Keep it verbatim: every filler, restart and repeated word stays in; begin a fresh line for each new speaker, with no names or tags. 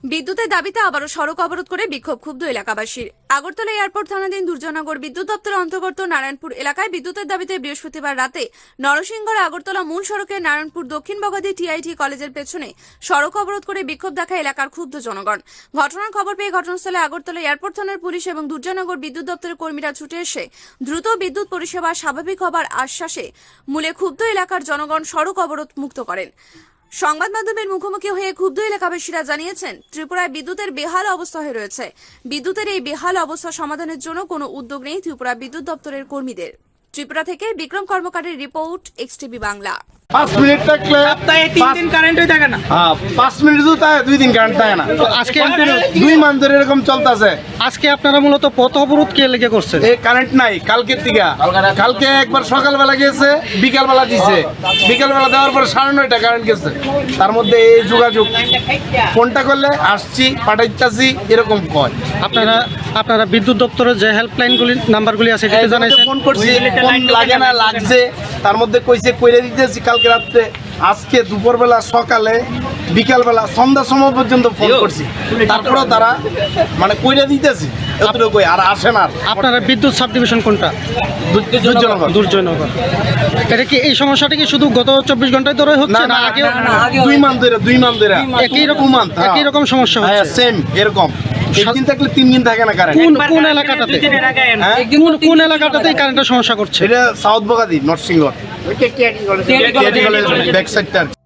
বিদ্যুতের দাবিতে আবারও সড়ক অবরোধ করে বিক্ষোভ ক্ষুব্ধ এলাকাবাসীর। আগরতলা এয়ারপোর্ট থানাধীন দুর্জয়নগর বিদ্যুৎ দপ্তরের অন্তর্গত নারায়ণপুর এলাকায় বিদ্যুতের দাবিতে বৃহস্পতিবার রাতে নরসিংগড় আগরতলা মূল সড়কে নারায়ণপুর দক্ষিণ বগাদি টিআইটি কলেজের পেছনে সড়ক অবরোধ করে বিক্ষোভ দেখায় এলাকার ক্ষুব্ধ জনগণ। ঘটনার খবর পেয়ে ঘটনাস্থলে আগরতলা এয়ারপোর্ট থানার পুলিশ এবং দুর্জয়নগর বিদ্যুৎ দপ্তরের কর্মীরা ছুটে এসে দ্রুত বিদ্যুৎ পরিষেবা স্বাভাবিক হবার আশ্বাসে মূলে ক্ষুব্ধ এলাকার জনগণ সড়ক অবরোধ মুক্ত করেন। সংবাদ মাধ্যমের মুখোমুখি হয়ে ক্ষুব্ধ এলাকাবাসীরা জানিয়েছেন, ত্রিপুরায় বিদ্যুতের বেহাল অবস্থা হয়ে রয়েছে। বিদ্যুতের এই বেহাল অবস্থা সমাধানের জন্য কোনো উদ্যোগ নেই ত্রিপুরা বিদ্যুৎ দপ্তরের কর্মীদের। ত্রিপুরা থেকে বিক্রম কর্মকারের রিপোর্ট, এক্সটিভি বাংলা।
পাঁচ মিনিট থাকলে
সপ্তাহে তিন দিন কারেন্টই থাকে না।
হ্যাঁ, পাঁচ মিনিট তো তাই দুই দিন কারেন্ট থাকে না।
আজকে
দুই মাস ধরে এরকম চলতেছে।
আজকে আপনারা মূলত পথ অবরোধ কে লেগে করছেন?
এই কারেন্ট নাই কালকের দিকে। কালকে একবার সকালবেলা গেছে, বিকালবেলা দিছে। বিকালবেলা দেওয়ার পরে সাড়ে নয়টা কারেন্ট গেছে। তার মধ্যে এই যোগাযোগ ফোনটা করলে আসছি, পাঠাইতেছি, এরকম কয়।
আপনারা আপনারা বিদ্যুৎ দপ্তরের যে হেল্পলাইনগুলি নাম্বারগুলি আছে সেটা জানাইছেন?
ফোন করছি, ফোন লাগে না, লাগছে। তার মধ্যে কইছে কইরে দিতেছি কালকে রাত্রে, আজকে দুপুরবেলা, সকালে, বিকালবেলা, সন্ধ্যার সময় পর্যন্ত ফোন করছি। তারপরেও তারা মানে কইরে দিতেছি এতটুকু, আর আসে না।
আপনারা বিদ্যুৎ সাব ডিভিশন কোনটা?
দুর্জনগর।
দুর্জয়নগর। এটা কি এই সমস্যাটা কি শুধু গত চব্বিশ ঘন্টায় ধরে হচ্ছে না আগেও?
দুই মান ধরে দুই মান ধরে
একই রকম একই রকম সমস্যা হচ্ছে?
সেম এরকম। একদিন থাকলে তিন দিন থাকে না কারেন্ট।
কোন কোন এলাকাটাতে
হ্যাঁ?
কোন কোন এলাকাটাতেই কারেন্টের সমস্যা করছে?
এটা সাউথ বগাদি, নরসিংগড়, ব্যাক সাইডটা।